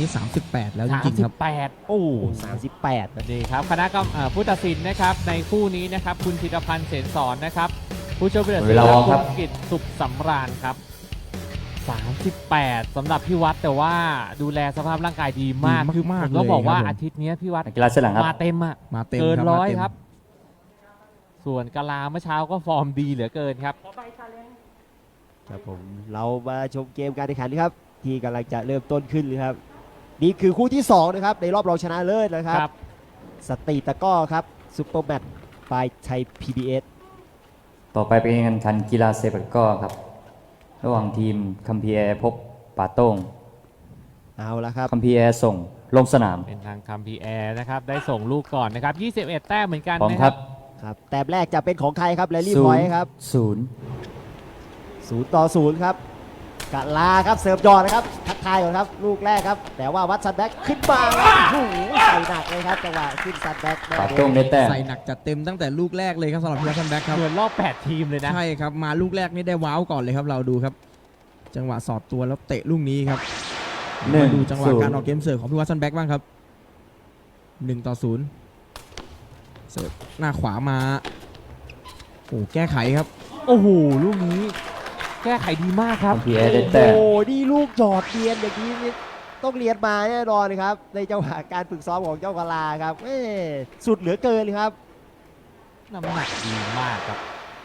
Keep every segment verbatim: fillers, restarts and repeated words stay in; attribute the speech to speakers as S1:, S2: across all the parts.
S1: สามสิบแปดแล้วจริงๆครับ
S2: สามสิบแปดโอ้สามสิบแปดนี่ครับคณะกรรมเอ่อผู้ตัดสินนะครับในคู่นี้นะครับคุณธีรพันธ์เสนสอนนะครับผู้ช่วยผู้ตัดสินและคุณกิตสุขสำราญครับสามสิบแปดสำหรับพี่วัดแต่ว่าดูแลสภาพร่างกายดีมาก
S1: ดี
S2: คือ
S1: มาก
S2: ผมต้องบอกว่า
S1: เลยครับผม
S2: อาทิตย์นี้พี่วัด
S3: กีฬาเสื้อหลังครับ
S2: มาเต็มอะ
S1: มาเต็ม
S2: เกิน
S1: ครับ
S2: ร้อย
S1: มาเต็ม
S2: ครับ ส่วนกาลาเมื่อเช้าก็ฟอร์มดีเหลือเกินครับ
S4: ครับผมเรามาชมเกมการแข่งขันครับที่กำลังจะเริ่มต้นขึ้นเลยครับนี่คือคู่ที่สองนะครับในรอบรองชนะเลิศนะครับ
S2: ครับ
S4: สตรีตะกร้อครับซุปเปอร์แมตช์บายไทย พี บี เอส
S3: ต่อไปเป็นการแข่งขันกีฬาเซปักก้อครับ ระหว่างทีมคัมพีแอร์พบป่าโต้ง
S4: เอาละครับ
S3: คัมพีแอร์ส่งลงสนาม
S2: เป็นทางคัมพีแอร์นะครับได้ส่งลูกก่อนนะครับยี่สิบเอ็ดแต้มเหมือนกัน
S3: พร้อม
S2: นะ
S3: ค
S2: ค
S3: รั
S2: รั
S3: บบ
S4: ครับแต้มแรกจะเป็นของใครครับแลลี่
S3: ศู
S4: พอน ย
S3: ย์
S4: ครับ
S3: ศูนย์
S4: ศูนย์ต่อศูนย์ครับกะลาครับเสิร์ฟยอดนะครับทักทายก่อนครับลูกแรกครับแต่ว่าวัดซันแบ็กขึ้นมาครับโอ้โหใส่หนักเลยครับจังหวะขึ้นซันแบ็ก
S3: ป่าโต้งได้แต้ม
S1: ใส่หนักจัดเต็มตั้งแต่ลูกแรกเลยครับสำหรับพิวัตรซันแบ็กครับ
S2: เหมือนรอบแปดทีมเลยนะ
S1: ใช่ครับมาลูกแรกนี่ได้ว้าวก่อนเลยครับเราดูครับ จังหวะสอดตัวแล้วเตะลูกนี้ครับ
S3: หนึ่ง
S1: มาดูจังหวะ
S3: ศูนย์
S1: การออกเกมเสิร์ฟของพิวัตรซันแบ็กบ้างครับหนึ่งต่อศูนย์เสิร์ฟหน้าขวามาโอ้แก้ไขครับ
S2: โอ้โหลูกนี้แก้ไขดีมากครับ
S3: คัมพีแอร์ได้
S4: โอ้
S3: แต้ม
S4: โหนี่ลูกหยอดเรียนอย่างนี้นี่ต้องเรียนมาแน่นอนครับในจังหวะการฝึกซ้อมของเจ้ากะลาครับเอ้สุดเหลือเกินเลยครับ
S2: น้ำหนักดีมากครับ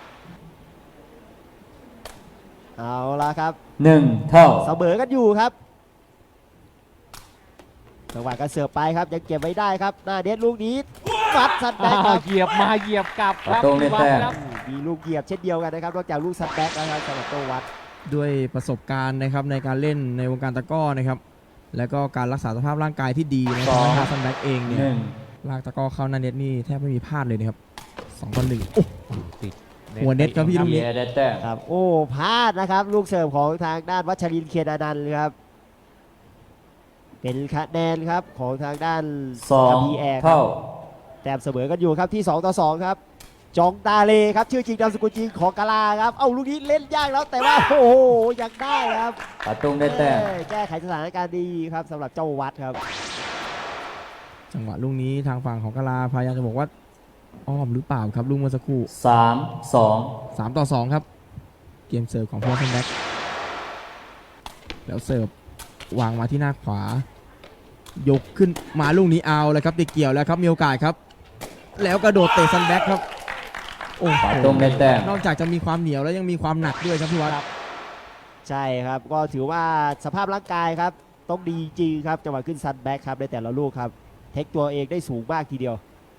S4: เอาละครับ
S3: หนึ่งเท่า
S4: เสมอกันอยู่ครับจังหวะการเสิร์ฟไปครับยังเก็บไว้ได้ครับหน้าเด็ดลูกนี้วัดซันแบ็กครับ
S2: เหยียบมาเหยียบกลับครับ
S3: ประตูได้แต้ม
S2: ครับ
S4: มีลูกเหยียบเช่นเดียวกันนะครับนอกจากลูกซันแบ็กนะครับสำหรับโตวัด
S1: ด้วยประสบการณ์นะครับในการเล่นในวงการตะกร้อนะครับแล้วก็การรักษาสภาพร่างกายที่ดีนะค
S3: ส
S1: รับ
S3: อง
S1: ทางซันแบ็กเองเนี่ย
S3: หนึ่ง
S1: ลากตะกร้อเข้าหน้าเน็ตนี่แทบไม่มีพลาดเลยนะครับสองต่อหนึ่ง
S2: ติด
S1: หัวเน็ตครับพี่
S3: คั
S1: ลู
S3: ม
S1: ก
S3: พี
S1: นี้
S3: แอร์ได้แต้ม
S4: ครับโอ้พลาดนะครับลูกเสิร์ฟของทางด้านวัชรินทร์เคียนอนันต์ครับเป็นคะแนนครับของทางด้าน
S3: สอง
S4: พีแอร์
S3: เท่า
S4: แต้มเสมอกันอยู่ครับที่สองต่อสองครับจองตาเลครับชื่อจริงนามสกุลจริงของกาลาครับเอาลูกนี้เล่นยากแล้วแต่ว่าโอ้โหยังได้ครับ
S3: ป่าโต้งได้แต้ม
S4: เอ้ยแก้ไขสถานการณ์ดีครับสำหรับเจ้าวัดครับ
S1: จังหวะลูกนี้ทางฝั่งของกาลาพยายามจะบอกว่าอ้อมหรือเปล่าครับลูกเมื่อสักครู่
S3: สามสอง
S1: สามต่อสองครับเกมเสิร์ฟของพิวัตรซันแบ็กแล้วเสิร์ฟวางมาที่หน้าขวายกขึ้นมาลูกนี้เอาเลยครับติดเกี่ยวแล้วครับมีโอกาสครับ แล้วกระโดดเตะซันแบ็กครับโอ้โห
S3: ป่าโต้งได้แต้ม
S1: นอกจากจะมีความเหนียวแล้วยังมีความหนักด้วยครับพี่วัด
S4: ใช่ครับก็ถือว่าสภาพร่างกายครับต้องดีจริงครับจังหวะขึ้นซันแบ็กครับในแต่ละลูกครับเทคตัวเองได้สูงมากทีเดียว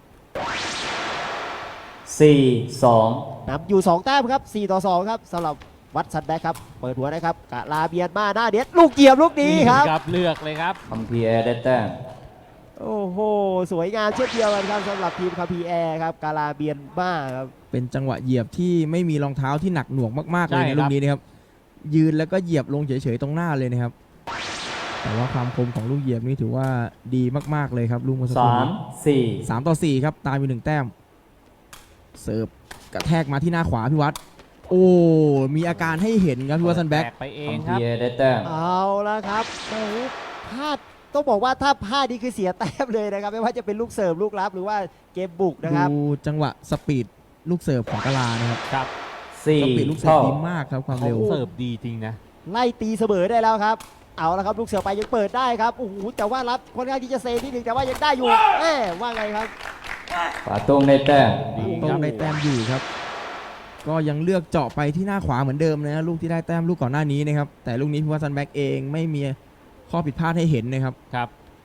S3: สี่สอง
S4: นำอยู่สองแต้มครับสี่ต่อสองครับสำหรับวัดซันแบ็กครับเปิดหัวนะครับกะลาเบียนมาหน้าเด็ดลูกเหยียบลูกนี้ครับ
S2: ครับเลือกเลยครับ
S3: คัมพีแอร์ได้แต้ม
S4: โอ้โหสวยงามเช่นเดียวกันครับสำหรับทีมคาพีแอร์ครับกาลาเบียนมาครับ
S1: เป็นจังหวะเหยียบที่ไม่มีรองเท้าที่หนักหน่วงมากๆเลย
S2: ใช่
S1: ใน
S2: ครับ
S1: ลูกนี้นะครับยืนแล้วก็เหยียบลงเฉยๆตรงหน้าเลยนะครับแต่ว่าความคมของลูกเหยียบนี่ถือว่าดีมากๆเลยครับลูกเมื่อสักครู่
S3: สาม
S1: นี้
S3: สี่
S1: สามต่อสี่ครับตามอยู่หนึ่งแต้มเสิร์ฟกระแทกมาที่หน้าขวาพี่วัดโอ้มีอาการให้เห็นครับพี่วัดซันแบ็ก
S2: ไปเอ
S3: คั
S2: ง
S3: ม
S2: ค
S3: พี
S2: รับ
S3: แอร์ได้แต้ม
S4: เอาละครับโอ้โหพลาดต้องบอกว่าถ้าพลาดนี่คือเสียแต้มเลยนะครับไม่ว่าจะเป็นลูกเสิร์ฟลูกรับหรือว่าเกมบุกนะครับ
S1: ดูจังหวะสปีดลูกเสิร์ฟของกาลานะครับ
S2: ครับ
S3: สี่
S1: สปีดลูกเสิร์ฟ
S3: เท่า
S1: ดีมากครับความเร็ว
S2: เสิร์ฟดีจริงนะ
S4: ไล่ตีเสมอได้แล้วครับเอาละครับลูกเสิร์ฟไปยังเปิดได้ครับโอ้โหแต่ว่ารับค่อนข้างที่จะเซนิดหนึ่งแต่ว่ายังได้อยู่แหมว่าไงครับ
S3: ป่าโต้งได้แต้ม
S2: ดีค
S1: ต้
S2: รั
S1: อบ งได้แต้มอยู่ครับ ก็ยังเลือกเจาะไปที่หน้าขวาเหมือนเดิมนะลูกที่ได้แต้มลูกก่อนหน้านี้นะครับแต่ลูกนี้พี่วัตซันแบ็กเองไม่มีข้อผิดพลาดให้เห็นนะครับ
S2: ครับ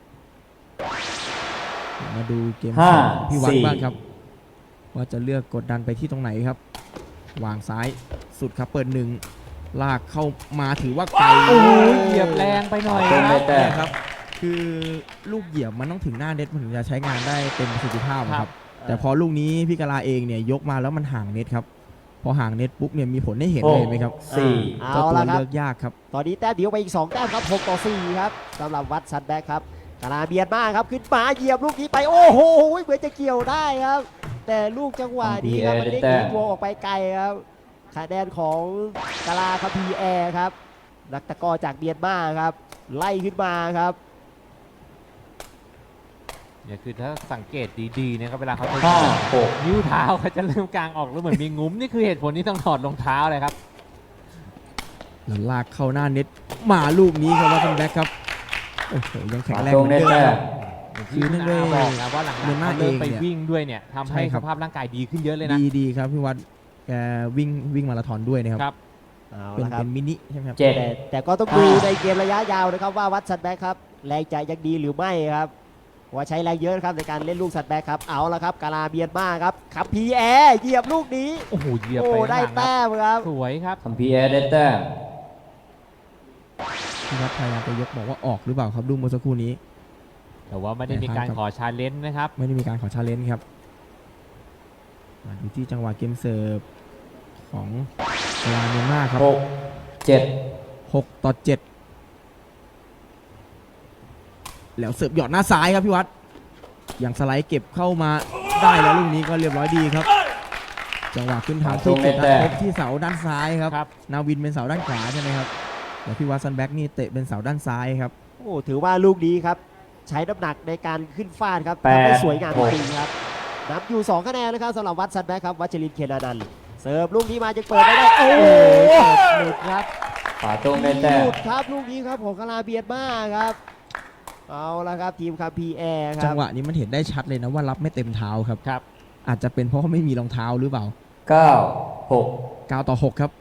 S1: มาดูเกม
S3: ห้า
S1: ของพี่วัด
S3: สี่
S1: บ้างครับว่าจะเลือกกดดันไปที่ตรงไหนครับ วางซ้ายสุดครับเปิดหนึ่งลากเข้ามาถือว่าไกล
S2: โอ้ยเหยียบแรงไปหน่อย
S3: ป่า
S2: ค
S3: โต้ง
S2: รั
S3: ได้
S2: บ
S3: แต้ม
S1: เนี่ยครับคือลูกเหยียบมันต้องถึงหน้าเน็ตมันถึงจะใช้งานได้เต็มประสิทธิภาพอะครับ แต่พอลูกนี้พี่กาลาเองเนี่ยยกมาแล้วมันห่างเน็ตครับพอห่างเน็ตปุ๊บเนี่ยมีผลให้เห็น
S3: ห
S1: เลย
S3: ก
S1: เห็นไหมครับ
S3: สี่
S4: เอา
S1: เจ้าตัว
S4: ละครับ
S1: เลือกยากครับ
S4: ตอนนี้แต้มเดียวไปอีกสองแต้มครับหกต่อสี่ครับสำหรับวัดซันแบ็กครับกาลาเบียนมาครับขึ้นมาเหยียบลูกนี้ไปโอ้โหเหมือนจะเกี่ยวได้ครับ แต่ลูกจังหวะนี้ครับมันเด้งทิ้งตัวออกไปไกลครับคะแนนของกาลาครับพีแอร์ครับนักตะกร้อจากเมียนมาครับไล่ขึ้นมาครับ
S2: เนี่ยคือถ้าสังเกตดีๆนะครับเวลาเขาจะ
S3: ห้าหก
S2: นิ้วเท้าเขาจะเริ่มกลางออกแล้วเหมือนมีงุ้มนี่คือเหตุผลที่ต้องถอดรองเท้าเลยครับ
S1: แล้วลากเข้าหน้าเน็ตมาลูกนี้ครับวัตสันแบ็กครับโอ้โหยังแข็ง
S3: ป่า
S1: แรง
S3: ต
S1: เห
S3: ง
S1: มือน
S3: ได้
S1: เดิม
S3: แต้
S1: ครับ
S3: ม
S1: คือเนื่องด้วย
S2: บอกนะว่าหลัง
S1: เดือน
S2: ๆ
S1: หน้า
S2: เขาเริ่ม
S1: เอง
S2: ไป
S1: เนี่ย
S2: วิ่งด้วยเนี่ยทำ
S1: ใช่
S2: ให้
S1: ครั
S2: ส
S1: บ
S2: ภาพร่างกายดีขึ้นเยอะเลยนะ
S1: ดีดีครับพี่วัดแกวิ่งวิ่งมาราธอนด้วยนะครับ
S2: ครับ
S4: เอา
S1: เป็น
S4: ละครั
S1: เป็
S4: บ
S1: นมินิใช่ไหมครับ
S3: เจ็ด
S4: แต่แต่ก็ต้องดูในเกมระยะยาวนะครับว่าวัดซันแบ็กครับแรงใจยังดีหรือไม่ครับว่าใช้แรงเยอะนะครับในการเล่นลูกซันแบ็กครับเอาละครับกาลาเบียนมาครับขับพีแอร์เหยียบลูกนี้
S2: โอ้โหเหยียบ
S4: โอ้
S2: ไป
S4: ได้
S2: ข้างหลังครับ
S4: แต้มครับ
S2: สวยครับ
S3: คัมพีแอร์ได้แต้ม
S1: พี่วัดพยายามจะยกบอกว่าออกหรือเปล่าครับดูเมื่อสักครู่นี้
S2: แต่ว่าไม่ได้มีการ
S1: ครับ
S2: ขอชาเลนจ์นะครับ
S1: ไม่ได้มีการขอชาเลนจ์ครับมาดูที่จังหวะเกมเสิร์ฟของกาลาเมียนมาครับ
S3: หกเจ็ด
S1: หกต่อเจ็ดแล้วเสิร์ฟหยอดหน้าซ้ายครับพี่วัดอย่างสไลด์เก็บเข้ามาได้แล้วลูกนี้ก็เรียบร้อยดีครับ จังหวะขึ้นทางที่เก็บนัดพบที่เสาด้านซ้ายครับ
S2: ครับ
S1: นาวินเป็นเสาด้านขวาใช่ไหมครับแต่พี่วัดซันแบ็กนี่เตะเป็นเสาด้านซ้ายครับ
S4: โอ้ถือว่าลูกนี้ครับใช้น้ำหนักในการขึ้นฟาดครับ
S3: แปด
S4: ทำได้สวยงาม
S3: หก
S4: จริงๆครับนับอยู่สองคะแนนนะครับสำหรับวัดซันแบ็กครับวัชรินทร์เคนอนันต์เสิร์ฟลูกนี้มาจะเปิดไม่ได้โอ้โหเสิร์ฟหลุดครับ
S3: ป่าตงได้แต้
S4: ห
S3: ม
S4: ลุดครับลูกนี้ครับของกาลาเบียนมาครับเอาละครับทีมคัมพีแอร์ค
S1: จั
S4: รั
S1: ง
S4: บ
S1: หวะนี้มันเห็นได้ชัดเลยนะว่ารับไม่เต็มเท้าครับ
S2: ครับ
S1: อาจจะเป็นเพราะว่าไม่มีรองเท้าหรือเปล่า
S3: เก้าหก
S1: เก้าต่อหกครับ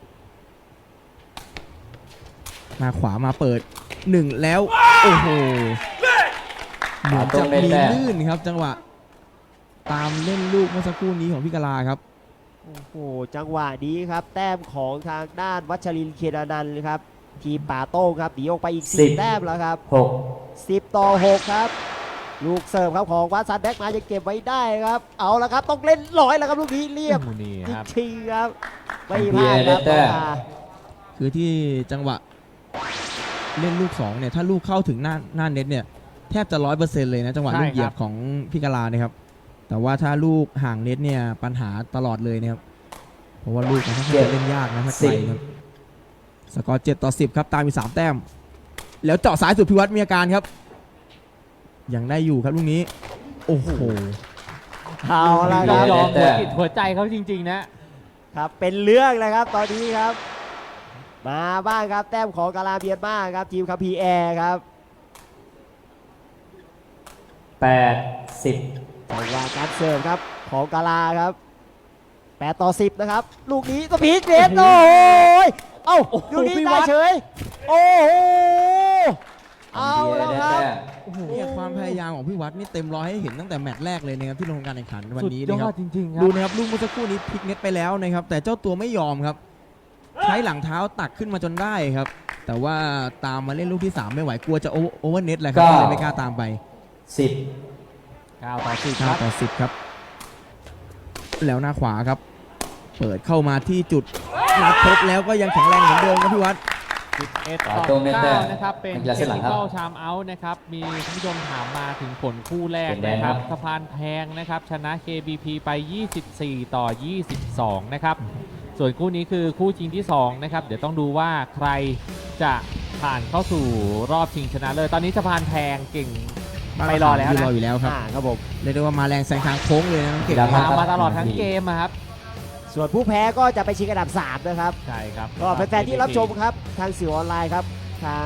S1: มาขวามาเปิดหนึ่งแล้ว โอ้โหเหมือนจะมีลื่นครับ จังหวะ ตามเล่นลูกเมื่อสักครู่นี้ของพี่กาลาครับ
S4: โอ้โหจังหวะนี้ครับแต้มของทางด้านวัชรินทร์เคนอนันต์ครับทีมป่าโต้งครับหนีออกไปอีกสี่แต้มแล้วครับ
S3: หก
S4: สิบต่อหกครับลูกเสิร์ฟครับของวัดซันแบ็กมาจะเก็บไว้ได้ครับเอาละครับต้องเล่นร้อยแล้วครับลูกนี้เรียบ
S2: โอ้โหนี่
S4: จ
S2: ครับ
S4: ริงๆครับไม่พลาดครับ
S3: แต้ม
S4: มา
S1: คือที่จังหวะเล่นลูกสองเนี่ยถ้าลูกเข้าถึงหน้าหน้าเน็ตเนี่ยแทบจะร้อยเปอร์เซ็นต์เลยนะจังหวะ
S2: ใช่
S1: ลูกเหยีย
S2: ครับ บ
S1: ของพี่กาลาเนี่ยครับแต่ว่าถ้าลูกห่างเน็ตเนี่ยปัญหาตลอดเลยนะครับเพราะว่าลูกมันค่อนข้างจะเล่นยากนะถ้าไกลครับสกอร์เจ็ดต่อสิบครับตามมีสามแต้ม แล้วเจาะสายสุดพิวัตรมีอาการครับยังได้อยู่ครับลูกนี้โอ้โห
S4: เอาละค
S2: ต้อ
S4: รั
S2: ง
S4: บ
S2: ยอม
S3: แต้
S2: หัว
S3: ม
S2: จิตหัวใจเขาจริง ๆ นะครับ
S4: เป็นเรื่องเลยครับตอนนี้ครับ มาบ้างครับแต้มของกาลาเบียนมาครับทีมคัมพีแอร์ครับ
S3: แปดสิบ
S4: จังหวะการเสิร์ฟครับของกาลาครับแปดต่อสิบนะครับลูกนี้ก็พีคเนสโอ้ยเอ้า
S2: โอ้โห
S4: ลูกนี้
S2: พี่
S4: ได้
S2: วัด
S4: เฉยโอ้โห
S3: คั
S4: เอา
S3: มพีแอ
S4: แล้ว
S3: ร์ได้
S4: ครับ
S3: แต้ม
S1: โอ้โหเนี่ยความพยายามของพี่วัดนี่เต็มร้อยให้เห็นตั้งแต่แมตช์แรกเลยนะครับที่ลงการแข่งขันวัน
S2: สุด
S1: นี้
S2: ย
S1: นะค
S2: อ
S1: รั
S2: ด
S1: บ
S2: จริง ๆ ครั
S1: ดู
S2: บ
S1: นะครับลูกเมื่อสักครู่นี้พลิกเน็ตไปแล้วนะครับแต่เจ้าตัวไม่ยอมครับ ใช้หลังเท้าตักขึ้นมาจนได้ครับ แต่ว่าตามมาเล่นลูกที่สามไม่ไหวกลัวจะโอโอเวอร์เน็ตแหละครับก็เลยไม่กล้าตามไป
S3: สิบ
S2: เก้าต่อสิบค
S1: เก้า
S2: รับ
S1: ต่อสิบครับ แล้วหน้าขวาครับ เปิดเข้ามาที่จุดนัดพบแล้วก็ยังแข็งแรงเหมือนเดิมครับพี่วัด
S2: สิบเอ็ด
S3: ป่า
S2: ต่อ
S3: ตงได้แต้
S2: เก้าม นะครับเป็น
S3: นักกีฬา
S2: เท
S3: เส้
S2: คน
S3: หลัง
S2: นิ
S3: ครับ
S2: คอลชามเอาท์นะครับมีคุณผู้ชมถามมาถึงผลคู่แรก
S3: เป็นแดง
S2: นะค
S3: ครั
S2: รับบ สะพานแพงนะครับชนะ เค บี พี ไป ยี่สิบสี่ ต่อ ยี่สิบสอง นะครับส่วนคู่นี้คือคู่ชิงที่สองนะครับเดี๋ยวต้องดูว่าใครจะผ่านเข้าสู่รอบชิงชนะเลยตอนนี้สะพานแพงเก่งไปรอแล้ว
S1: ร
S2: นะ
S1: ออยู่แล้วครับ
S4: อ่าครับผม
S1: เรียกได้ว่ามาแรงแซงทางโค้งเลยนะน้องเก่ง
S3: ครับ
S2: ตามมาตลอดทั้งเกมอะครับ
S4: ส่วนผู้แพ้ก็จะไปชิงอันดับสามนะครับ
S2: ใช่ครับ
S4: ก็แฟนๆที่รับชมครับทางสื่อออนไลน์ครับทาง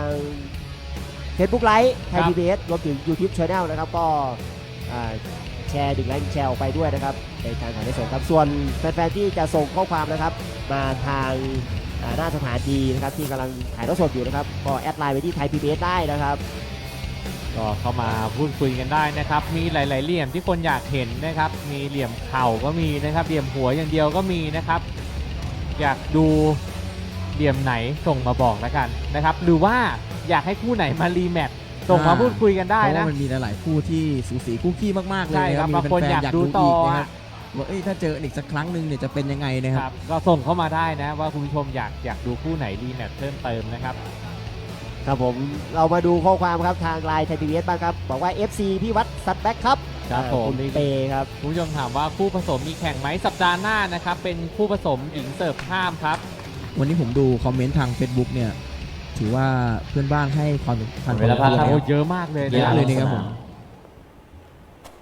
S4: Facebook ไลฟ์ไทย
S2: ครับ
S4: พี บี เอส รวมถึง YouTube Channel นะครับก็อ่าแชร์ดึงไลค์แชร์ออกไปด้วยนะครับในการถ่ายทอดสดครับส่วนแฟนๆที่จะส่งข้อความนะครับมาทางอ่าหน้าสถานีนะครับที่กำลังถ่ายทอดสดอยู่นะครับก็แอดไลน์ไปที่ไทย พี บี เอส ได้นะครับ
S2: ก็เข้ามาพูดคุยกันได้นะครับ มีหลาย ๆ เหลี่ยมที่คนอยากเห็นนะครับ มีเหลี่ยมเข่าก็มีนะครับ เหลี่ยมหัวอย่างเดียวก็มีนะครับ อยากดูเหลี่ยมไหนส่งมาบอกแล้วกันนะครับ หรือว่าอยากให้คู่ไหนมารีแมตช์ส่งมาพูดคุยกันได้
S1: เพราะ
S2: นะ
S1: ว่ามันมีหลายๆคู่ที่สูสีคู่ขี้มากๆเลย
S2: ใช่
S1: นะ
S2: ค
S1: ค
S2: รั
S1: รั
S2: บบ บางคน
S1: มีแฟ
S2: อยาก
S1: ๆ
S2: ดูต่อ
S1: นะค
S2: อะ
S1: รับว่าเอ้ยถ้าเจอกันอีกสักครั้งหนึ่งเนี่ยจะเป็นยังไงนะค
S2: ครับ รับก็ส่งเข้ามาได้นะว่าคุณผู้ชมอยากอยากดูคู่ไหนรีแมตช์เพิ่มเติมนะครับ
S4: ครับผมเรามาดูข้อความครับทางไลน์ไทย พี บี เอส บ้างครับบอกว่า เอฟ ซี พี่วัดสัตว์แบ็คครับ
S2: ครับ
S4: อ่า
S2: ผม
S4: คุณเตครับ
S2: คุณผู้ชมถามว่าคู่ผสมมีแข่งไหมสัปดาห์หน้านะครับ เป็นคู่ผสมหญิงเสิร์ฟข้ามครับ
S1: วันนี้ผมดูคอมเมนต์ทาง Facebook เนี่ยถือว่าเพื่อนบ้านให้ความสำคัญ
S3: เวลาพักครับ
S2: โอ้เยอะมากเลย
S1: เยอะ
S2: นะ
S1: เลยนะครับผม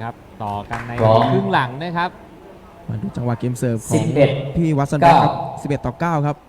S2: ครับ ต่อกันใน
S3: พร้อม
S2: ครึ่งหลังนะครับ
S1: มาดูจังหวะเกมเสิร์ฟข
S3: สิ
S1: อง
S3: บเอ็ด
S1: พี่วัตสันแบ็คครับ
S3: เก้า
S1: สิบเอ็ดต่อเก้าครับ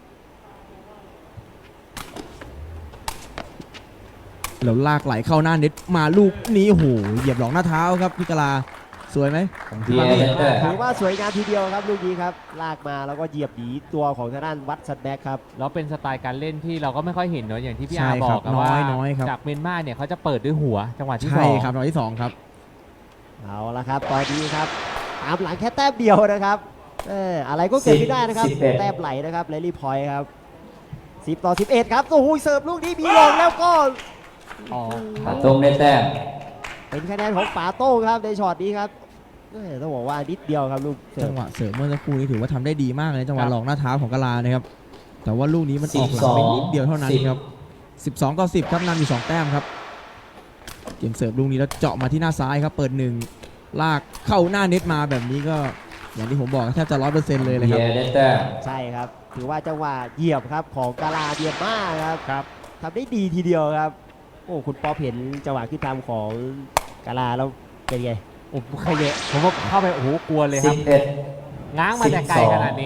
S1: แล้วลากไหลเข้าหน้าเน็ตมาลูกนี้โอ้โหเหยียบหลองหน้าเท้าครับพี่กะลาสวยไหม
S3: พีเอเดเตอร์
S4: ถือว่าสวยงามทีเดียวครับลูกนี้ครับลากมาแล้วก็เหยียบหนีตัวของทางด้านวัดซันแบ็กครับ
S2: แล้วเป็นสไตล์การเล่นที่เราก็ไม่ค่อยเห็นเนอะอย่างที่พี่
S1: ใช่
S2: อาบ
S1: ค
S2: อ
S1: รั
S2: กอะ
S1: น้
S2: ว่า
S1: อยน้อยครับ
S2: จากเมียนมาเนี่ยเขาจะเปิดด้วยหัวจังหวะที่ส
S1: ใช่
S2: อง
S1: ครับรอบที่สองครับ
S4: เอาละครับตอนนี้ครับตามหลังแค่แต้มเดียวนะครับเอออะไรก็เกิดขึ้นได้นะครับ
S3: สิบเอ็ด
S4: แต้มไหลนะครับเลลี่พอยต์ครับสิบต่อสิบเอ็ดครับโอ้โหเสิร์ฟลูกนี้มีลงแล้วก็
S2: อ๋อ
S3: ปาต้งได้แต้ม
S4: เป็นคะแนนของป๋าโต้งครับในช็อตนี้ครับเออต้องบอกว่านิดเดียวครับลูกเสิ
S1: จั
S4: ร์ฟ
S1: งหวะเสริมเมื่อสักครู่นี้ถือว่าทำได้ดีมากเลยจังห
S2: ครั
S1: วะ
S2: บ
S1: หลอกหน้าเท้าของกะลานะครับ แต่ว่าลูกนี้มันออกหลังไปนิดเดียวเท่านั้นครับสิบสองต่อสิบครับนำอยู่สองแต้มครับเกมเสิร์ฟลูกนี้แล้วเจาะมาที่หน้าซ้ายครับเปิดหนึ่งลากเข้าหน้าเน็ตมาแบบนี้ก็อย่างที่ผมบอกแทบจะร้อยเปอร์เซ็นต์เลยนะ
S3: พี
S1: ครับ
S3: เอเดเตอร์
S4: ใช่ครับถือว่าจังหวะเหยียบครับของกาลาเบียนมาครับ
S2: ครับ
S4: ทำได้ดีทีเดียวครับโอ้คุณป๊อปเห็นจังหวะขึ้นทำของกาลาแล้วเป็นไง
S2: โอ้โหขยเยะผมว่าเข้าไปโอ้โหกลัวเลยค
S3: สิ
S2: รั
S3: บบ เอ็ด
S2: ง้างมาแต่ไกล
S3: สิบสอง
S2: ขนาดนี้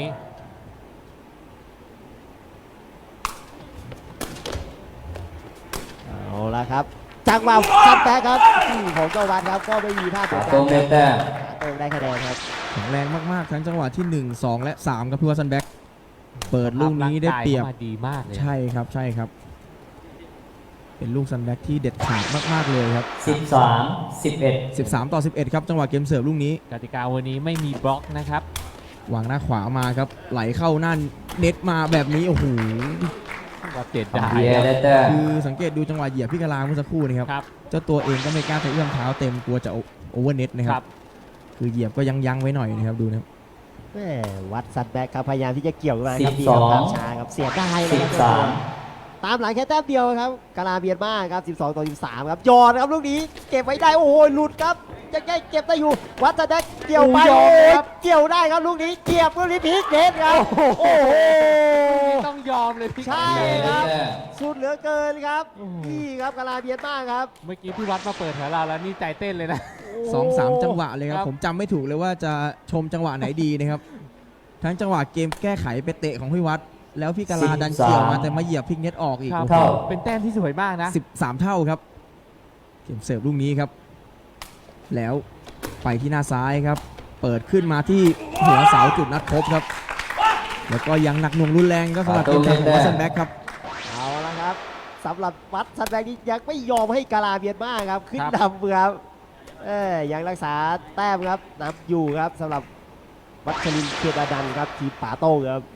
S4: เอาละครับจังหวะซัดแบ็คครับอืมของเจ้าวัดครับก็ไม่มีพลาด
S3: ปา
S4: ตัว
S3: ต้งได้แต้ม
S4: โต้งได้คะแนนครับ
S1: แข็งแรงมากๆทั้งจังหวะที่หนึ่ง สองและสามครับพี่วัตสันแบ็คเปิดลูกนี้ได้เปรียบ
S2: ร่างกาข้ามาดีมากเลย
S1: ใช่ครับใช่ครับ เป็นลูกซันแบ็คที่เด็ดขาดมากๆเลยครับ
S3: สิบสาม สิบเอ็ด
S1: สิบสามต่อสิบเอ็ดครับจังหวะเกมเสิร์ฟลูกนี้
S2: กติกาวันนี้ไม่มีบล็อกนะครับ
S1: วางหน้าขวามาครับไหลเข้าหน้าเน็ตมาแบบนี้โอ้โห
S2: ก็เจ็ดได้
S3: พีเอเดเตอร์
S1: คือสังเกตดูจังหวะเหยียบพี่กะลาเมื่อสักครู่นี่ครับ
S2: ครับ
S1: เจ้าตัวเองก็ไม่กล้าจะเอื้อมเท้าเต็มกลัวจะโอเวอร์เน็ตนะค
S2: ครั
S1: รับ บคือเหยียบก็ยังยั้งไว้หน่อยนะครับดูนะครับ
S4: แม่วัดซัดแบ็คครับพยายามที่จะเกี่ยวมาครับ
S3: สิ
S4: ดี
S3: บส
S4: ค
S3: อง
S4: รับตามช้าครับเสียได้เลย
S3: สิ
S4: ครับ
S3: บสาม
S4: ตามหลังแค่แต้มเดียวครับกาลาเบียนมาครับสิบสองต่อสิบสามครับยอดครับลูกนี้เก็บไว้ได้โอ้โหหลุดครับยังไงเก็บได้อยู่วัดซัดแบ็คเกี่ยวไป
S2: โอ้
S4: โอ้
S2: โห
S4: โห
S2: ครับ
S4: เกี่ยวได้ครับลูกนี้เกี่ยวลูกนี้พลิกเน็ตครับโอ้โห
S2: ต้องยอมเลยพี่
S4: ใช่
S3: พีเอ
S4: ค
S3: เด
S4: รับ
S3: เตอร์
S4: สุดเหลือเกินครับ
S2: โอ้โห
S4: นี่ครับกาลาเบียนมาครับ
S2: เมื่อกี้พี่วัดมาเปิดแถวเราแล้วนี่ใจเต้นเลยนะ
S1: สองสามจังหวะเลยครั
S2: ครับ บ
S1: ผมจำไม่ถูกเลยว่าจะชมจังหวะไหนดีนะครับ ทั้งจังหวะเกมแก้ไขไปเตะของพี่วัด แล้วพี่กะลาดันเกี่ยวมาแต่มาเหยียบพลิกเน็ตออกอีก
S2: ครับ
S1: โอ้โห
S3: เท่า
S2: เป็นแต้มที่สวยมากนะ
S1: สิบสามเท่าครับเกมเสิร์ฟลูกนี้ครับ แล้วไปที่หน้าซ้ายครับ เปิดขึ้นมาที่หัวเสาจุดนัดพบครับ แล้วก็ยังหนักหน่วงรุนแรงก็สำหรับเกมการของวัตสันแบ็คครับ
S4: เอาละครับสำหรับวัดซันแบงนี้ยังไม่ยอมให้กาลาเบียนมาครับขึ้น
S2: ครับ
S4: นำครับเอ้ยยังรักษาแต้มครับนำอยู่ครับสำหรับวัชรินทร์เกียรติอนันต์ครับทีมป่าโต้งครับ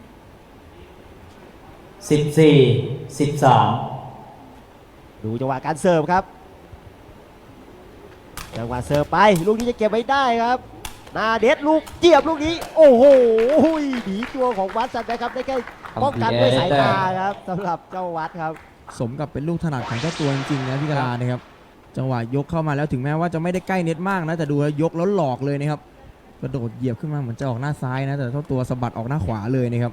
S3: สิบสี่ สิบสาม
S4: ดูจังหวะการเสิร์ฟครับจังหวะเสิร์ฟไปลูกนี้จะเก็บไว้ได้ครับนาเด็ดลูกเจียบลูกนี้โอ้โหหนีตัวของวัดซันแบงครับได้แค่ป้องกันด้วยสายตาครับสำหรับเจ้าวัดครับ
S1: สมกับเป็นลูกถนัดของเจ้าตัวจริงๆนะพี่กะลานะครับ จังหวะยกเข้ามาแล้วถึงแม้ว่าจะไม่ได้ใกล้เน็ตมากนะแต่ดูแล้วยกแล้วหลอกเลยนะครับกระโดดเหยียบขึ้นมาเหมือนจะออกหน้าซ้ายนะแต่เจ้าตัวสะบัดออกหน้าขวาเลยนะครับ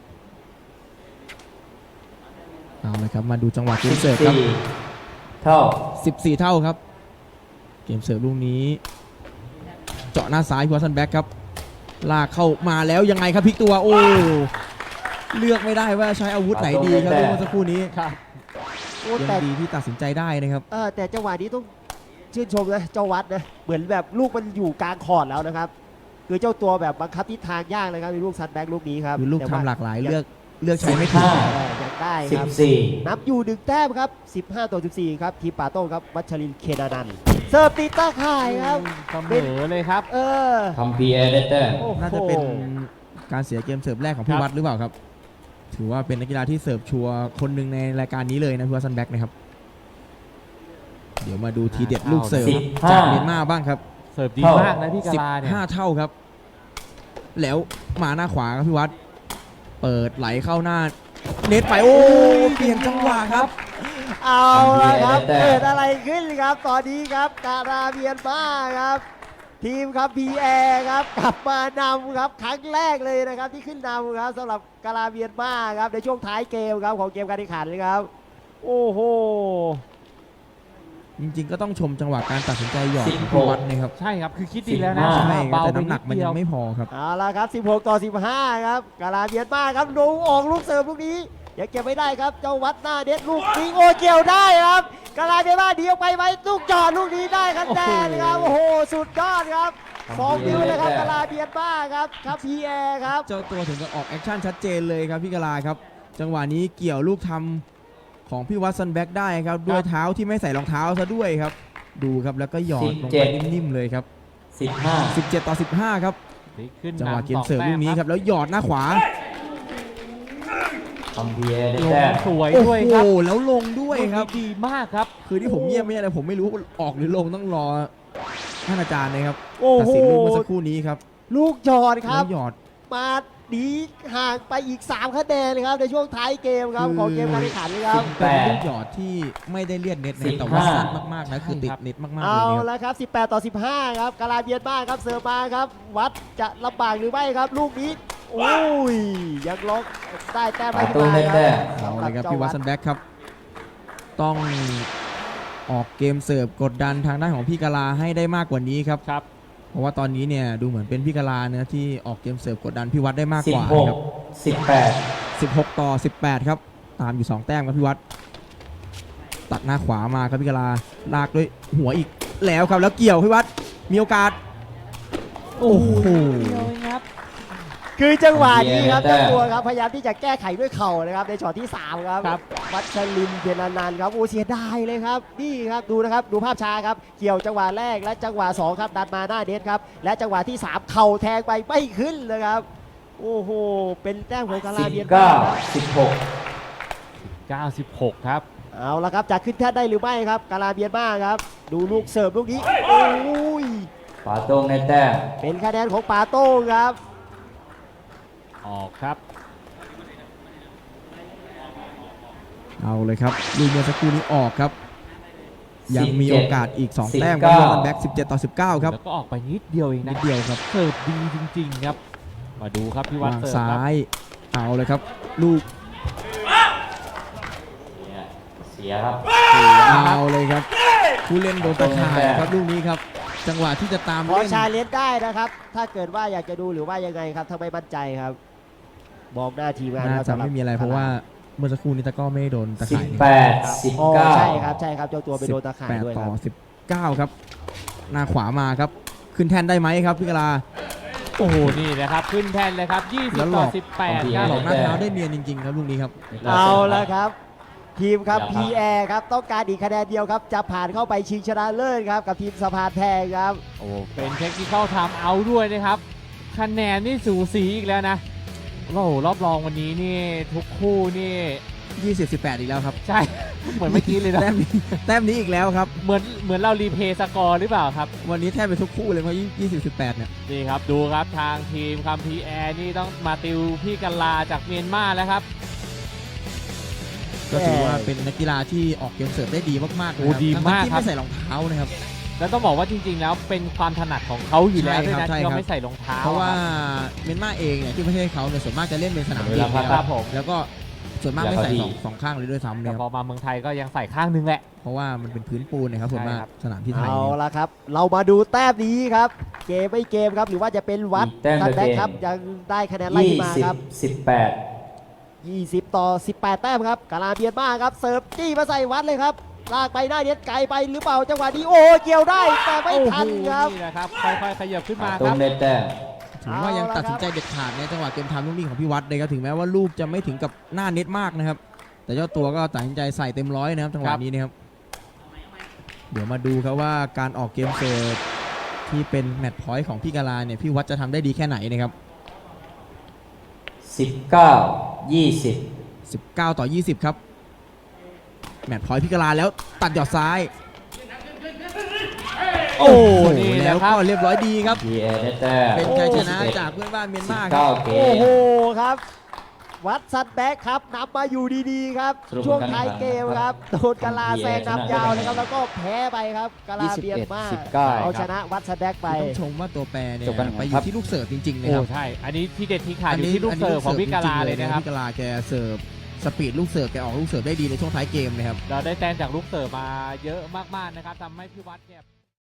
S1: เอาเลยครับมาดูจังหวะเก
S3: สิ
S1: ม
S3: บ
S1: เสิร์ฟครับ
S3: สี่เท่า
S1: สิบสี่เท่าครับ เกมเสิร์ฟลูกนี้ เจาะหน้าซ้ายพัวซันแบ็กครับลากเข้ามาแล้วยังไงครับพลิกตัวโอ้เลือกไม่ได้ว่าใช้อาวุธไหนดีครับเมื่อสักครู่นี้
S2: ครับ
S4: โอ้
S1: ยั
S4: แต่
S1: งดีที่ตัดสินใจได้นะครับ
S4: เออแต่จังหวะนี้ต้องชื่นชมนะเจ้าวัดนะเหมือนแบบลูกมันอยู่กลางคอร์ดแล้วนะครับคือเจ้าตัวแบบบังคับทิศทางยากเลยครับในลูกซัดแบ็กลูกนี้ครับ
S1: คือลูก
S4: แต่
S1: ทำ
S4: ว่า
S1: หลากหลายเลือกเลือกใช้ไม่ถูก
S3: ห้า
S4: เออยังได้
S3: สิ
S4: ครับ
S3: บสี่
S4: นับอยู่หนึ่งแต้มครับสิบห้าต่อสิบสี่ครับทีมป่าโต้งครับวัชรินทร์เคนอนันต์เสิร์ฟตีตาข่ายครับ
S2: เสมอเลยครับ
S4: เออ
S3: ทำพีเอเดเตอร์
S4: โอ้โห
S1: น่าจะเป็นการเสียเกมเสิร์ฟแรกของพี่
S2: ครับ
S1: วัดหรือเปล่าครับ ถือว่าเป็นนักกีฬาที่เสิร์ฟชัวร์คนหนึ่งในรายการนี้เลยนะพี่วัดซันแบ็กนะครับ เดี๋ยวมาดูทีเด็ดลูกเสิร์ฟ
S3: สิบห้า
S1: จากเมียนมาบ้างครับ
S2: เสิร์ฟดีมากนะพี่กา
S1: สิบ
S2: ลาเนี่ย
S1: ห้าเท่าครับ แล้วมาหน้าขวาครับพี่วัด เปิดไหลเข้าหน้า เน็ตไปโอ้เปลี่ยนจังหวะครับ
S4: เอาละครับ
S3: แต่
S4: เกิดอะไรขึ้นครับตอนนี้ครับการาเบียนมาครับ ทีมครับพีแอครับกลับมานำครับครั้งแรกเลยนะครับที่ขึ้นนำครับสำหรับการาเบียนมาครับในช่วงท้ายเกมครับของเกมการแข่งขันเลยครับ โอ้โห
S1: จริงๆก็ต้องชมจังหวะการตัดสินใจหยอด
S3: สิบ
S1: ของ
S3: ห
S1: พี่
S3: ก
S1: วัดนะครับ
S2: ใช่ครับคือคิดดีแล้วนะ
S3: สิบห้า
S1: ใช่ครับ
S2: เบา
S1: แต่
S2: ไป
S1: น้ำห
S2: นิ
S1: นั
S2: ด
S1: กมัน
S2: เดี
S1: ยั
S2: ยว
S1: งไม่พอครับ
S4: เอาละครับสิบหกต่อสิบห้าครับกาลาเบียนมาครับดูออกลูกเสิร์ฟลูกนี้ยังเก็บไม่ได้ครับเจ้าวัดหน้าเด็ดลูกนี้โอเกี่ยวได้ครับกาลาเบียนมาเดียวไปไหมลูกจอดลูกนี้ได้ครับแดนครับโอ้โหสุดยอดครับสองนิ้วเลยครับกาลาเบียนมาครับครับพีแอร์ครับ
S1: เจ้าตัวถึงกับออกแอคชั่นชัดเจนเลยครับพี่กะลาครับ จังหวะนี้เกี่ยวลูกทำของพี่วัดซันแบ็กได้ครับด้วยเท้าที่ไม่ใส่รองเท้าซะด้วยครับ ดูครับแล้วก็หยอดลงไปนิ่มๆเลยครับ
S3: สิบห้า
S1: สิบเจ็ดต่อสิบห้าครับ
S2: พลิกขึ้น
S1: จังหวะ
S2: นำ
S1: เกม
S2: สอง
S1: เสิร์ฟ
S2: แต้
S1: ลูกนี้
S2: ม
S1: ครับแล้วหยอดหน้าขวา
S3: คัมเพียร์ได้
S2: ล
S3: แต้
S2: ง
S3: ม
S2: สวย
S1: โอ้
S2: ด้วย
S1: โห
S2: ครับ
S1: แล้วลงด้วยครับ
S2: ลูกนี้ดีมากครับ
S1: คือที่ผมเงียบไม่ใช่อะไรผมไม่รู้ออกหรือลงต้องรอท่านอาจารย์นะครับ
S4: โอ้
S1: ตัด
S4: โห
S1: สินลูกเมื่อสักครู่นี้ครับ
S4: ลูกจอดครับ
S1: แล้วหยอด
S4: มาหนีห่างไปอีกสามคะแนนเลยครับในช่วงท้ายเกมครับของเกมการแข่งขันครับ
S1: เป็นลูกหยอดที่ไม่ได้เลียดเน็ตนะครับแต่ว่าสั้นมากๆนะคือติดเน็ตมากๆเลย
S4: เอา
S1: นะครับ
S4: ละครับสิบแปดต่อสิบห้าครับกาลาเบียนมาครับเสิร์ฟมาครับวัดจะลำบากหรือไม่ครับลูกนี้โอ้ยยังล็อกได้แต้ม
S3: ปา
S4: ไม่
S3: ตู
S4: ขึ้นมา
S3: ได้
S4: ค
S3: แต้
S4: รับ
S3: ม
S1: เอา
S4: สำห
S1: เล
S4: รับ
S1: ยครับ
S4: เจ้า
S1: พี่วั
S4: วั
S1: ต
S4: ด
S1: สันแบ็กครับ ต้องออกเกมเสิร์ฟกดดันทางด้านของพี่กะลาให้ได้มากกว่านี้ครับ
S2: ครับ
S1: เพราะว่าตอนนี้เนี่ยดูเหมือนเป็นพี่กะลาเนี่ยที่ออกเกมเสิร์ฟกดดันพี่วัดได้มาก
S3: สิ
S1: ก
S3: บ
S1: ว่า
S3: หก
S1: ครับ
S3: สิบแปด
S1: สิบหกต่อสิบแปดครับตามอยู่สองแต้มครับพี่วัดตัดหน้าขวามาครับพี่กะลาลากด้วยหัวอีกแล้วครับแล้วเกี่ยวพี่วัดมีโอกาสโอ้โห
S2: เดียวเองครับ
S4: คือจังหวะนี้ครับ
S3: แต้
S4: เจ้าม ตัวครับพยายามที่จะแก้ไขด้วยเข่านะครับในช็อตที่สามครับ
S2: ครับ
S4: วัชรินทร์เพียรอนันท์ครับโอ้เสียดายเลยครับนี่ครับดูนะครับดูภาพช้าครับเกี่ยวจังหวะแรกและจังหวะสองครับดันมาหน้าเน็ตครับและจังหวะที่สามเข่าแทงไปไม่ขึ้นเลยครับโอ้โหเป็นแต้มของกาลา
S3: สิบ
S4: เบียนมา
S3: เก้า
S4: ครับ
S3: สิบหก
S2: เก้าสิบหกครับ
S4: เอาละครับจะขึ้นแท่นได้หรือไม่ครับกาลาเบียนมาครับดูลูกเสิร์ฟลูกนี้โอ้ย
S3: ปาตูได้แต้ม
S4: เป็นคะแนนของปาโต้งครับ
S2: ออกครับ
S1: เอาเลยครับลูกเมื่อสักครู่นี้ออกครับ ยังมีโอกาสอีกสองแต้มครับพี่วัดสันแบ็กสิบเจ็ดต่อสิบเก้าครับ
S2: แล้วก็ออกไปนิดเดียวเอง
S1: นิ
S2: นะ
S1: ดเดียวครับ
S2: เสิร์ฟดีจริง ๆ ครับ มาดูครับพี่วัด
S1: วาง
S2: เสิร์ฟ
S1: ซ้า
S2: ครับ
S1: ยเอาเลยครับ ลูก
S3: เสียครับ
S1: เอาเลยครับ ผู้เล่นโดนตะข่ายครับลูกนี้ครับ จังหวะที่จะตาม
S4: ขอ
S1: เล่น
S4: ชาเลนจ์ได้นะครับ ถ้าเกิดว่าอยากจะดูหรือว่ายังไงครับถ้าไม่มั่นใจครับมองหน้าทีมงาน
S1: น่า
S4: ครับ
S1: จะ
S4: สำหบ
S1: ไม่มีอะไรเพราะว่าเมื่อสักครู่นี้ตะกร้อไม่ได้โดนตะ
S3: สิบ
S1: ข่ายนี่
S3: แปดสิบ
S4: อ๋อ
S3: เก้า
S4: ใช่ครับใช่ครับเจ้าตัวไปโดนตาข่าย
S1: แปด
S4: ด้วยค
S1: ต่อ
S4: รับ
S1: สิบเก้าครับ หน้าขวามาครับ ขึ้นแท่นได้ไหมครับพี่กะลา
S2: โอ้โห นี่นะครับ ขึ้นแทนเลยครับ ยี่สิบ
S1: แล้วหล
S2: ต่
S1: อ
S2: อก สิบแปด
S3: ของ
S2: ครับ
S1: หลอกหน้าเท้าได้เนียนจริงๆครับลูกนี้ครับ
S4: เอาละครับ ทีมครับ
S3: อย่า
S4: พี
S3: พัก
S4: แอร์ครับต้องการอีกคะแนนเดียวครับจะผ่านเข้าไปชิงชนะเลิศครับกับทีมสะพานแพงครับ
S2: โอ้เป็นเทคนิคเข้าทำเอาด้วยนะครับ คะแนนนี่สูสีอีกแล้วนะโอ้โหรอบรองวันนี้นี่ทุกคู่นี่
S1: ยี่สิบ สิบแปดอีกแล้วครับ
S2: ใช่ เหมือนเมื่อกี้เลยนะ
S1: แต้มนี้แต้มนี้อีกแล้วครับ
S2: เหมือนเหมือนเรารีเพย์สกอร์หรือเปล่าครับ
S1: วันนี้แทบไปทุกคู่เลยเพราะยี่สิบ สิบแปดเนี่ย
S2: นี่ครับ ดูครับทางทีมคัมพีแอร์นี่ต้องมาติวพี่กัลลาจากเมียนมาแล้วครับ
S1: ก็ถือว่าเป็นนักกีฬาที่ออกเกมเสิร์ฟได้ดีมากๆเลย
S2: โอ้
S1: ครับ
S2: ดีมาก
S1: ทั้งๆที่
S2: ครับ
S1: ไม่ใส่รองเท้านะครับ
S2: แล้วต้องบอกว่าจริงๆ แล้วเป็นความถนัดของเขาอยู่แล้ว
S1: ใช่
S2: ด้วย
S1: ครับ
S2: นะ
S1: ใช่
S2: ที่
S1: ครับ
S2: เขาไม่ใส่รองเท้า
S1: เพราะว่า
S2: ครับ
S1: เมียนมาเองเนี่ยที่ประเทศเขาเนี่ยส่วนมากจะเล่นเป็นสนาม
S3: เว
S1: เดีย
S3: ลาว พัก
S1: นะ
S3: ค
S1: ค
S3: รั
S1: รับ บ
S2: ผม
S1: แล้วก็ส่วนมากไม่ใส่
S3: เวลา
S1: ส
S3: เขา
S1: อง
S3: ดี
S1: สองข้างเลยด้วยซ้ำ
S2: แต่
S1: เนี่ย
S2: พอมาเมืองไทยก็ยังใส่ข้างนึงแหละ
S1: เพราะว่ามันเป็นพื้นปูนนะครับส่วนมาก
S2: ใช่ครับ
S1: สนามที่ไทย
S4: เอา
S1: เนี่ย
S4: ละครับ เรามาดูแต้มนี้ครับ เกมไม่เกมครับ หรือว่าจะเป็นวัด
S3: แต้ม
S4: ทันแบ็ค
S3: เกม
S4: ครับยังได้คะแนนไล่
S3: ยี่
S4: ขึ้นมา
S3: สิบ
S4: ครับ
S3: สิบแปด
S4: ยี่สิบต่อสิบแปดแต้มครับกาลาเบียนมาครับเสิร์ฟจี้มาใส่วัดเลยครับลากไปหน้าเน็ตไกลไปหรือเปล่าจังหวะนี้โอ้เกี่ยวได้แต่ไม่ทันครับ
S2: โอ้โหนี่แหละครับค่อยๆขยับขึ้นมา
S3: ปา
S2: ค
S3: ตู
S2: รับ
S3: ได้แต้ม
S1: ถือว่ายัง
S4: เอาละ
S1: ตัดสินใจเด็ดขาดในจังหวะเกมทำลูกนี้ของพี่วัดเลยครับถึงแม้ว่าลูกจะไม่ถึงกับหน้าเน็ตมากนะครับ แต่เจ้าตัวก็ตัดสินใจใส่เต็มร้อยนะครับจังหวะนี้นะครับเดี๋ยวมาดูครับว่าการออกเกมเสิร์ฟที่เป็นแมตช์พอยต์ของพี่กาลาเนี่ยพี่วัดจะทำได้ดีแค่ไหนนะครับ
S3: สิบเก้ายี่สิบ
S1: สิบเก้าต่อยี่สิบครับแมตช์พอยต์พี่กาลาแล้วตัดหยอดซ้าย
S2: โอ้
S1: โอ้โห
S2: นี่แห
S1: แล้
S2: ละ
S1: ว
S2: ครั
S1: ก็
S2: บ
S1: เรียบร้อยดีครับ
S3: พีเอได้แต้ม
S1: เป็นชัยชนะ
S3: สิบเอ็ด
S1: จากเพื่อนบ้านเมียน
S3: สิบ
S1: มาครั
S3: เก้า
S1: บ
S3: เก
S4: โอ้
S3: ม
S4: โหครับ วัดซันแบ็คครับนำมาอยู่ดีๆครับ
S3: สรุป
S4: ช่วง
S3: การแข่ง
S4: ท้ายเกมครับโดนกาลาแซงนำยาวเลยครับแล้วก็แพ้ไปครับกาลาเบียนมา
S3: ยี่สิบเอ็ดสิบเก้า
S4: เอาชนะวัดซันแบ็คไป
S1: ต้องชมว่าตัวแปรเนี่ย
S3: จบกัน
S1: ไปอ
S3: ครั
S1: ยู่
S3: บ
S1: ที่ลูกเสิร์ฟจริงๆนะ
S2: โอ้
S1: ครับ
S2: ใช่ อันนี้ที่เด็ดที่ขาดอยู่ที่ลูกเสิร์ฟของพี่กาลาเลยนะครับ
S1: พี่กาลาแกเสิร์ฟสปีดลูกเสิร์ฟแกออกลูกเสิร์ฟได้ดีในช่วงท้ายเกมนะครับ
S2: เราได้แต้มจากลูกเสิร์ฟมาเยอะมากๆนะครับทำให้พี่วัดเนี่ย